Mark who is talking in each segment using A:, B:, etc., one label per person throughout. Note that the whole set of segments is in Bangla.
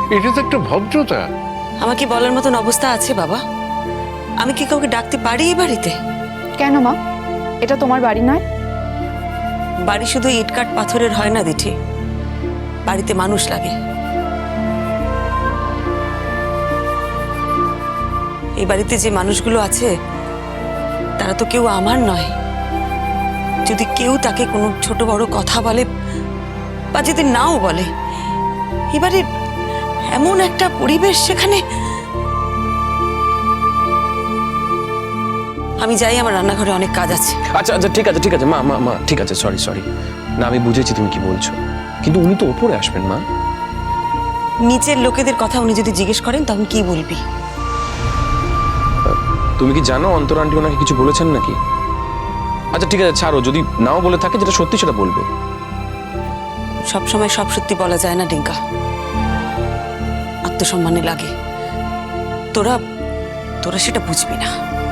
A: এটা তো একটা ভদ্রতা।
B: আমাকে বলার মতন অবস্থা আছে বাবা? আমি কি কাউকে ডাকতে পারি এই বাড়িতে?
C: কেন মা, এটা তোমার বাড়ি নয়?
B: বাড়ি শুধু ইটকাট পাথরের হয় না দিঠি, বাড়িতে মানুষ লাগে। এই বাড়িতে যে মানুষগুলো আছে তারা তো কেউ আমার নয়। যদি কেউ তাকে কোনো ছোট বড় কথা বলে বা যদি নাও বলে, এবারে এমন একটা পরিবেশ সেখানে। আমি যাই, আমার রান্নাঘরে অনেক কাজ আছে।
D: আচ্ছা আচ্ছা ঠিক আছে ঠিক আছে মা মা মা ঠিক আছে, সরি সরি। না আমি বুঝেছি তুমি কি বলছো, কিন্তু উনি তো ওপরে আসবেন মা।
B: নিচের লোকেদের কথা উনি যদি জিজ্ঞেস করেন তখন কি বলবি?
D: তুমি কি জানো অন্তর আন্টি ওনাকে কিছু বলেছেন নাকি? আচ্ছা ঠিক আছে ছাড়ো, যদি নাও বলে থাকে যেটা সত্যি সেটা বলবে।
B: সব সময় সব সত্যি বলা যায় না ডিঙ্কা, আত্মসম্মানে লাগে। তোরা তোরা সেটা বুঝবি না।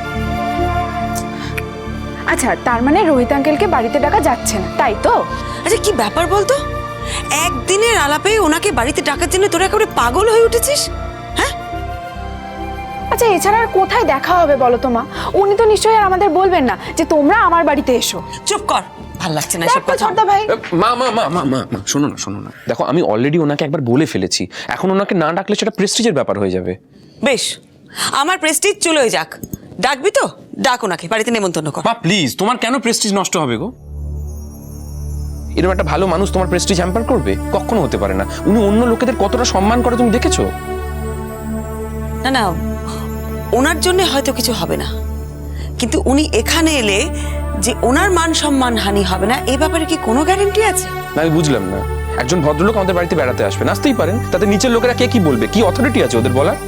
C: আচ্ছা, তার মানে রোহিত আঙ্কেলকে বাড়িতে ডাকা যাচ্ছে না, তাই তো?
B: আচ্ছা কি ব্যাপার বলতো, একদিনের আলাপে ওনাকে বাড়িতে ডাকার জন্য তোরা একেবারে পাগল হয়ে উঠেছিস? হ্যাঁ
C: আচ্ছা, এছাড়া আর কোথায় দেখা হবে বলো তো মা? উনি তো নিশ্চয়ই আর আমাদের বলবেন না যে তোমরা আমার বাড়িতে এসো।
B: চুপ কর, ভাল লাগছে না এসব কথা।
C: ছোটদা ভাই,
D: মা মা মা মা মা মা শোনো না শোনো না, দেখো আমি অলরেডি ওনাকে একবার বলে ফেলেছি, এখন ওনাকে না ডাকলে সেটা প্রেস্টিজের ব্যাপার হয়ে যাবে।
B: বেশ, আমার প্রেস্টিজ চলে যাক, ডাকবি তো ডাক ওনাকে, বাড়িতে নেমন্তন্ন কর।
D: মা প্লিজ, তোমার কেন প্রেস্টিজ নষ্ট হবে গো? এরকম একটা ভালো মানুষ তোমার প্রেস্টিজ হ্যাম্পার করবে? কখনো হতে পারে না। উনি অন্য লোকেদের কতটা সম্মান করে তুমি দেখেছো?
B: না না, ওনার জন্য হয়তো কিছু হবে না, কিন্তু উনি এখানে এলে যে ওনার মান সম্মান হানি হবে না এই ব্যাপারে কি কোনো গ্যারান্টি আছে?
D: না আমি বুঝলাম না, একজন ভদ্রলোক আমাদের বাড়িতে বেড়াতে আসবেন, আসতেই পারেন, তাতে নিচের লোকেরা কে কি বলবে, কি অথরিটি আছে ওদের বলার?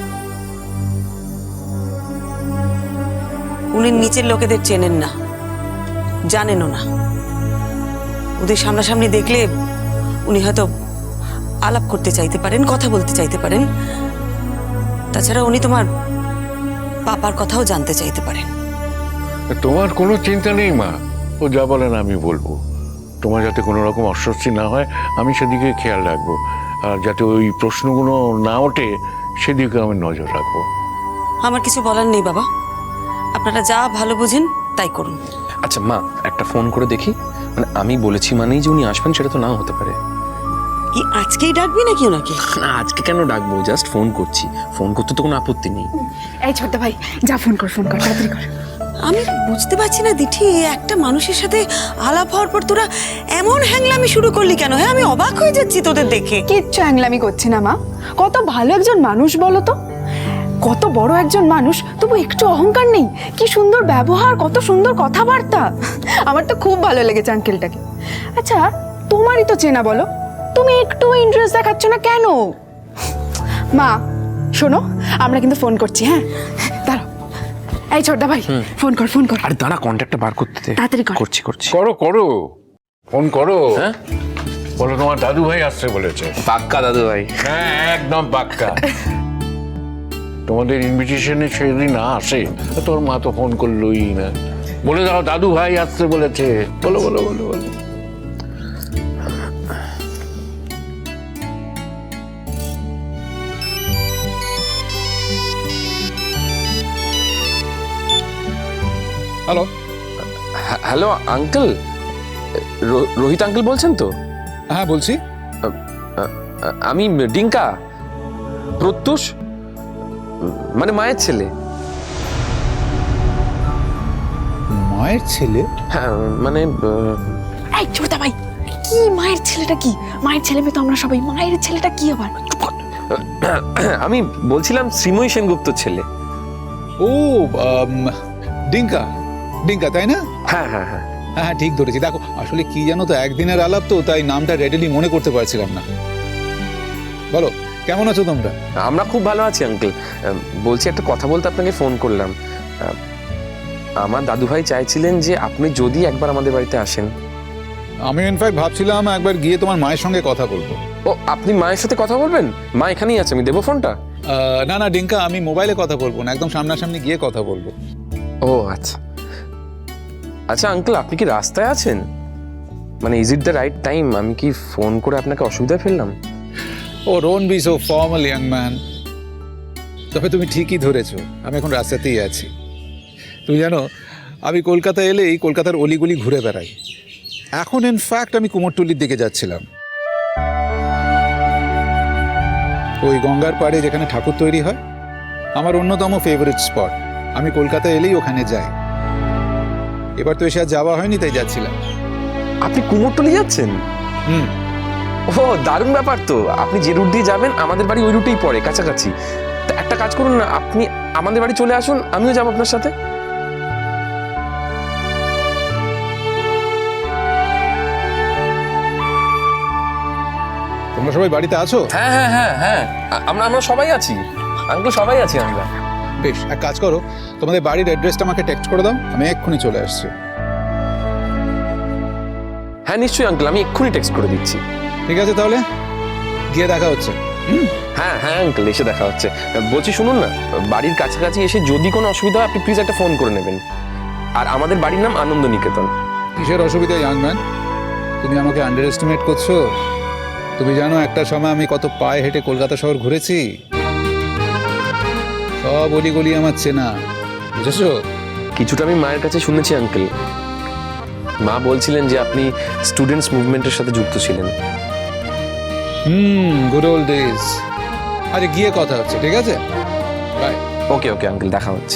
B: উনি নিচের লোকেদের চেনেন না, জানেনও না। ওদের সামনাসামনি দেখলে উনি হয়তো আলাপ করতে চাইতে পারেন, কথা বলতে চাইতে পারেন। তাছাড়া উনি তোমার পাপার কথাও জানতে চাইতে পারেন।
A: তোমার কোনো চিন্তা নেই মা, ও যা বলেন আমি বলবো। তোমার যাতে কোনো রকম অস্বস্তি না হয় আমি সেদিকে খেয়াল রাখবো, আর যাতে ওই প্রশ্নগুলো না ওঠে সেদিকে আমি নজর রাখবো।
B: আমার কিছু বলার নেই বাবা, আপনারা যা ভালো বুঝেন তাই করুন।
D: আচ্ছা মা, একটা ফোন করে দেখি, মানে আমি বলেছি মানেই যে উনি আসবেন সেটা তো নাও হতে পারে।
B: কি আজকেই ডাকবি নাকি ওনাকে?
D: না আজকে কেন ডাকবো, জাস্ট ফোন করছি, ফোন করতে তো কোনো আপত্তি নেই।
C: এই ছোটদা ভাই, যা ফোন কর তাড়াতাড়ি কর।
B: আমি বুঝতে পারছি না দিঠি, একটা মানুষের সাথে আলাপ হওয়ার পর তোরা এমন হ্যাংলামি শুরু করলি কেন? হ্যাঁ আমি অবাক হয়ে যাচ্ছি তোদের দেখে।
C: কিচ্ছু হ্যাংলামি করছি না মা, কত ভালো একজন মানুষ বলো তো, কত বড় একজন মানুষ, তবু একটু অহংকার নেই, কি সুন্দর ব্যবহার, কত সুন্দর কথাবার্তা। আমার তো খুব ভালো লেগেছে আঙ্কেলটাকে। আচ্ছা, তোমারই তো চেনা, বলো তুমি একটু ইন্টারেস্ট দেখাচ্ছ না কেন? মা শোনো, আমরা কিন্তু ফোন করছি, হ্যাঁ দাঁড়াও। এই ছোটদা ভাই, ফোন কর ফোন কর।
D: আরে দাঁড়া, কন্ট্যাক্টটা বার করতে দে।
C: তাড়াতাড়ি কর।
D: করছি করছি।
A: করো করো, ফোন করো।
D: হ্যাঁ
A: বলো তোমার দাদু ভাই আসছে বলেছে।
D: পাক্কা দাদু ভাই।
A: হ্যাঁ একদম পাক্কা। তোমাদের ইনভিটেশনে সেদিন না আসে, তোর মা তো ফোন করলোই না। বলে দাও দাদু ভাই আসছে বলেছে, বলো বলো বলো বলো।
E: Hello.
D: Hello uncle, Rohit uncle বলছেন তো?
E: হ্যাঁ বলছি।
D: আমি ডিঙ্কা, প্রত্যুষ, মানে মায়ের ছেলে।
E: মায়ের ছেলে?
D: হ্যাঁ মানে
C: এই ছোটদা ভাই, কি মায়ের ছেলেটা? কি মায়ের ছেলে মেয়ে তো আমরা সবাই, মায়ের ছেলেটা কি আবার?
D: আমি বলছিলাম শ্রীময়ী সেনগুপ্তর ছেলে।
E: ও ডিঙ্কা, ডিঙ্কা তাই না?
D: হ্যাঁ হ্যাঁ হ্যাঁ
E: হ্যাঁ হ্যাঁ ঠিক ধরেছি। দেখো আসলে কি জানো তো, একদিনের আলাপ তো, তাই নামটা রেডিলি মনে করতে পারছিলাম না। বলো কেমন আছো তোমরা?
D: আমরা খুব ভালো আছি আঙ্কেল। বলছি একটা কথা বলতে আপনাকে ফোন করলাম। আমার দাদু ভাই চাইছিলেন যে আপনি যদি একবার আমাদের বাড়িতে আসেন।
E: আমি ইনফ্যাক্ট ভাবছিলাম একবার গিয়ে তোমার মায়ের সঙ্গে কথা বলবো।
D: ও আপনি মায়ের সাথে কথা বলবেন? মা এখানেই আছে, আমি দেবো ফোনটা?
E: না না ডিঙ্কা, আমি মোবাইলে কথা বলবো না, একদম সামনাসামনি গিয়ে কথা বলবো।
D: ও আচ্ছা আচ্ছা আঙ্কেল, আপনি কি রাস্তায় আছেন? মানে is it the right time? আমি কি ফোন করে আপনাকে অসুবিধায় ফেললাম?
E: ও don't be so formal young man. তবে তুমি ঠিকই ধরেছো, আমি এখন রাস্তাতেই আছি। তুমি জানো, আমি কলকাতা এলেই কলকাতার অলিগলি ঘুরে বেড়াই। এখন ইনফ্যাক্ট আমি কুমোরটুলির দিকে যাচ্ছিলাম। ওই গঙ্গার পাড়ে যেখানে ঠাকুর তৈরি হয়, আমার অন্যতম ফেভারিট স্পট। আমি কলকাতা এলেই ওখানে যাই। এবার তো এসে আর যাওয়া হয়নি, তাই যাচ্ছিলাম।
D: আপনি কুমোরটুলি যাচ্ছেন?
E: হুম।
D: ও দারুণ ব্যাপার তো। আপনি যে রুট দিয়ে যাবেন আমাদের বাড়ি ওই রুটেই পড়ে, কাছাকাছি। তা একটা কাজ করুন না, আপনি আমাদের বাড়ি চলে আসুন, আমিও যাবো আপনার সাথে।
E: তোমরা সবাই বাড়িতে আছো?
D: হ্যাঁ হ্যাঁ হ্যাঁ হ্যাঁ, আমরা আমরা সবাই আছি আঙ্কেল, সবাই আছি আমরা।
E: বেশ, এক কাজ করো, তোমাদের বাড়ির অ্যাড্রেসটা আমাকে টেক্সট করে দাও, আমি এক্ষুনি চলে আসছি।
D: হ্যাঁ নিশ্চয়ই আঙ্কেল, আমি এক্ষুনি টেক্সট করে দিচ্ছি।
E: ঠিক আছে, তাহলে গিয়ে দেখা হচ্ছে।
D: হ্যাঁ হ্যাঁ আঙ্কেল, এসে দেখা হচ্ছে। বলছি শুনুন না, বাড়ির কাছাকাছি এসে যদি কোনো অসুবিধা হয় আপনি প্লিজ একটা ফোন করে নেবেন। আর আমাদের বাড়ির নাম আনন্দ নিকেতন।
E: কিসের অসুবিধা ইয়াং ম্যান? তুমি আমাকে আন্ডার এস্টিমেট করছো? তুমি জানো একটা সময় আমি কত পায়ে হেঁটে কলকাতা শহর ঘুরেছি। সব অলিগলি আমার চেনা, বুঝেছো?
D: কিছুটা আমি মায়ের কাছে শুনেছি আঙ্কেল। মা বলছিলেন যে আপনি স্টুডেন্টস মুভমেন্টের সাথে যুক্ত ছিলেন।
E: Good old days. আরে গিয়ে কথা হচ্ছে, ঠিক আছে? বাই।
D: ওকে ওকে আঙ্কেল, দেখা হচ্ছে।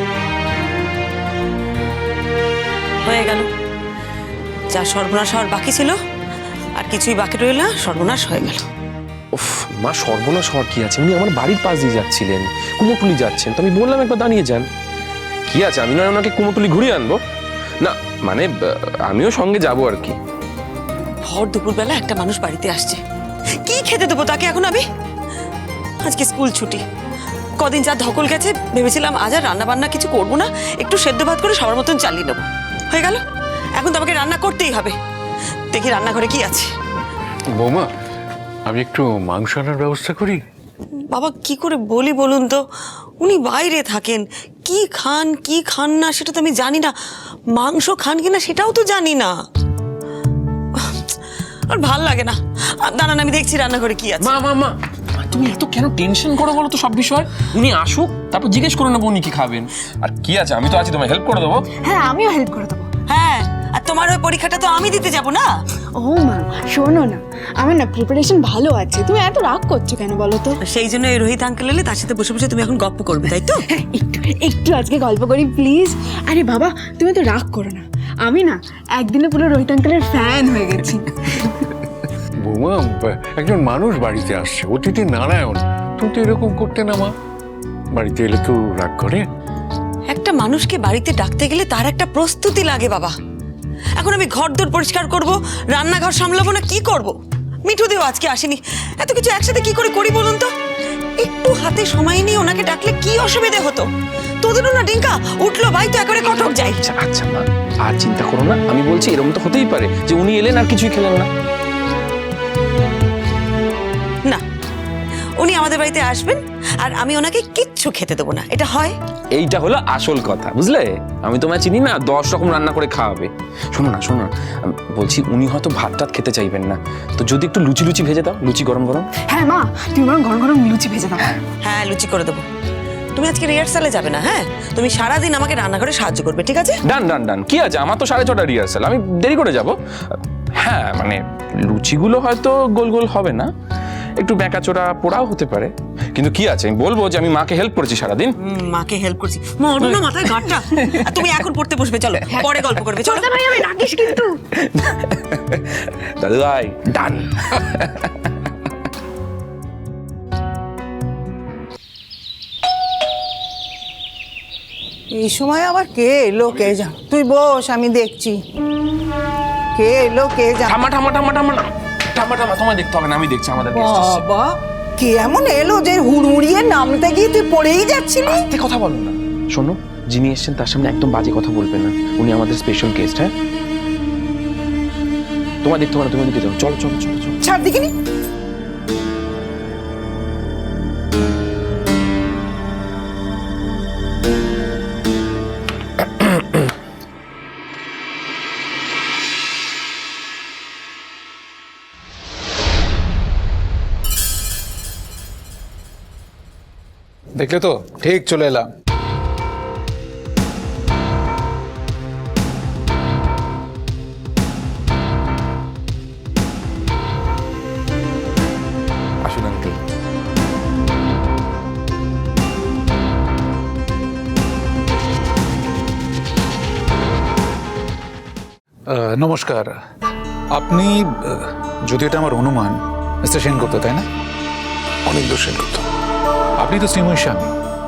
B: হয়ে গেল, যা সর্বনাশ হওয়ার বাকি ছিল আর কিছুই বাকি রইল না, সর্বনাশ হয়ে গেল।
D: উফ মা, সর্বনাশ হওয়ার কি আছে? উনি আমার বাড়ির পাশ দিয়ে যাচ্ছিলেন, কুমোরটুলি যাচ্ছেন, তো আমি বললাম একবার দাঁড়িয়ে যান। কি আছে, আমি নয় ওনাকে কুমোরটুলি ঘুরিয়ে আনবো না, মানে আমিও সঙ্গে যাবো আর কি।
B: ভর দুপুরবেলা একটা মানুষ বাড়িতে আসছে, কি খেতে দেবো তাকে এখন আমি? আজকে স্কুল ছুটি, কদিন যা ধকল গেছে, ভেবেছিলাম আজ আর রান্না বান্না কিছু করবো না, একটু সেদ্ধ ভাত করে সবার মতন চালিয়ে নেবো। হয়ে গেল, এখন তো আমাকে রান্না করতেই হবে। দেখি রান্নাঘরে কি আছে।
A: বৌমা, আমি একটু মাংস আনার ব্যবস্থা করি।
B: বাবা কি করে বলি বলুন তো, উনি বাইরে থাকেন, কি খান কি খান না সেটা তো আমি জানি না, মাংস খান কিনা সেটাও তো জানি না, আর ভাল লাগে না। দাঁড়ান আমি দেখছি রান্নাঘরে কি আছে।
D: মা মা মা, তুমি এত কেন টেনশন করো বলো তো সব বিষয়? উনি আসুক, তারপর জিজ্ঞেস করে নেবো উনি কি খাবেন। আর কি আছে, আমি তো আছি, তোমায় হেল্প করে দেবো।
C: হ্যাঁ, আমিও হেল্প করে দেবো।
B: হ্যাঁ, আর তোমার ওই পরীক্ষাটা তো আমি দিতে যাব না।
C: ও মা, শোনো না, আমার না প্রিপারেশন ভালো আছে। তুমি এত রাগ করছো কেন বলো তো?
B: সেই জন্য এই রোহিত আঙ্কেল এলে তার সাথে বসে বসে তুমি এখন গপ্প করবে, তাই তো?
C: হ্যাঁ, একটু একটু আজকে গল্প করি প্লিজ। আরে বাবা, তুমি তো রাগ করো না, আমি না একদিনে পুরো রোহিত আঙ্কেলের ফ্যান হয়ে গেছি।
A: বৌমা, একজন মানুষ বাড়িতে আসছে, অতিথি নারায়ণ, তুমি তো এরকম করতে না মা। বাড়িতে এলে তো রাগ করে।
B: একটা মানুষকে বাড়িতে ডাকতে গেলে তার একটা প্রস্তুতি লাগে বাবা। এখন আমি ঘর দোর পরিষ্কার করব, রান্নাঘর সামলাবো না কি করব? মিঠু দিও আজকে আসেনি, এত কিছু একসাথে কি করে করি বলুন তো? একটু হাতে সময় নিয়ে ওনাকে ডাকলে কি অসুবিধে হতো? তোদেরও না ডিঙ্কা উঠলো ভাই, তো একবারে কটক যাই।
D: আচ্ছা আচ্ছা মা, আর চিন্তা করো না, আমি বলছি এরকম তো হতেই পারে যে উনি এলেন আর কিছুই খেলেন না।
B: না, উনি আমাদের বাড়িতে আসবেন আর আমি ওনাকে কিচ্ছু খেতে দেবো না, এটা হয়?
D: এইটা হলো আসল কথা, বুঝলে? আমি তোমায় চিনি না, 10 রকম রান্না করে খাওয়াবে। শোনো না শোনো না, বলছি উনি হয়তো ভাত টাত খেতে চাইবেন না, তো যদি একটু লুচি লুচি ভেজে দাও, লুচি গরম গরম।
C: হ্যাঁ মা, তুমি বরং গরম গরম লুচি ভেজে দাও।
B: হ্যাঁ, লুচি করে দেবো। তুমি আজকে রিহার্সালে যাবে না, হ্যাঁ? তুমি সারাদিন আমাকে রান্নাঘরে সাহায্য করবে, ঠিক আছে?
D: ডান ডান ডান, কি আছে, আমার তো 6:30 রিহার্সাল, আমি দেরি করে যাব। হ্যাঁ মানে লুচিগুলো হয়তো গোল গোল হবে না, একটু বেঁকাচোরা পোড়াও হতে পারে, কিন্তু কি আছে, আমি বলবো যে আমি মাকে হেল্প করেছি সারাদিন।
B: মাকে হেল্প করছি, মরবো না মাথায় ঘাটটা। আর তুমি এখন পড়তে বসবে, চলো পরে গল্প করবে, চলো।
C: ভাই, আমি রাগিস কিন্তু।
D: দাদু ভাই, ডান।
F: এই সময় আবার কে এলো কে জান? তুই বস, আমি দেখছি কে এলো কে জান।
D: ঠাম্মা ঠাম্মা ঠাম্মা ঠাম্মা না, ঠাম্মা ঠাম্মা তোমায় দেখতে হবে না, আমি দেখছি আমাদের guest এসেছে।
F: বাবা, কে এমন এলো যে হুড়মুড়িয়ে নামতে গিয়ে তুই পড়েই যাচ্ছিলি?
D: আস্তে কথা বলো না। শোনো, যিনি এসেছেন তার সামনে একদম বাজে কথা বলবে না, উনি আমাদের স্পেশাল গেস্ট। হ্যাঁ, তোমায় দেখতে হবে না, তুমি ওদিকে যাও, চলো চলো চলো চলো।
F: ছাড় দিকিনি।
E: দেখলে তো ঠিক চলে এলাম।
D: আসুন আঙ্কেল।
E: নমস্কার। আপনি যদি এটা আমার অনুমান মিস্টার সেনগুপ্ত, তাই না?
A: অনিন্দ সেনগুপ্ত।
E: আপনি তো শ্রীময়ীর স্বামী।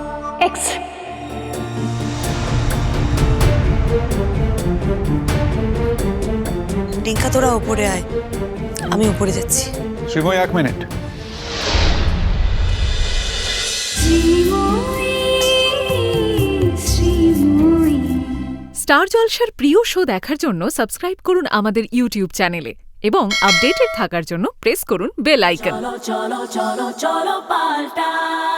B: রিঙ্কা তোরা ওপরে আয়, আমি ওপরে যাচ্ছি।
E: শ্রীময়ী, 1 মিনিট।
G: স্টার জলসার প্রিয় শো দেখার জন্য সাবস্ক্রাইব করুন আমাদের ইউটিউব চ্যানেলে এবং আপডেটেড থাকার জন্য প্রেস করুন বেল আইকন।
H: চলো চলো চলো চলো পাল্টাই।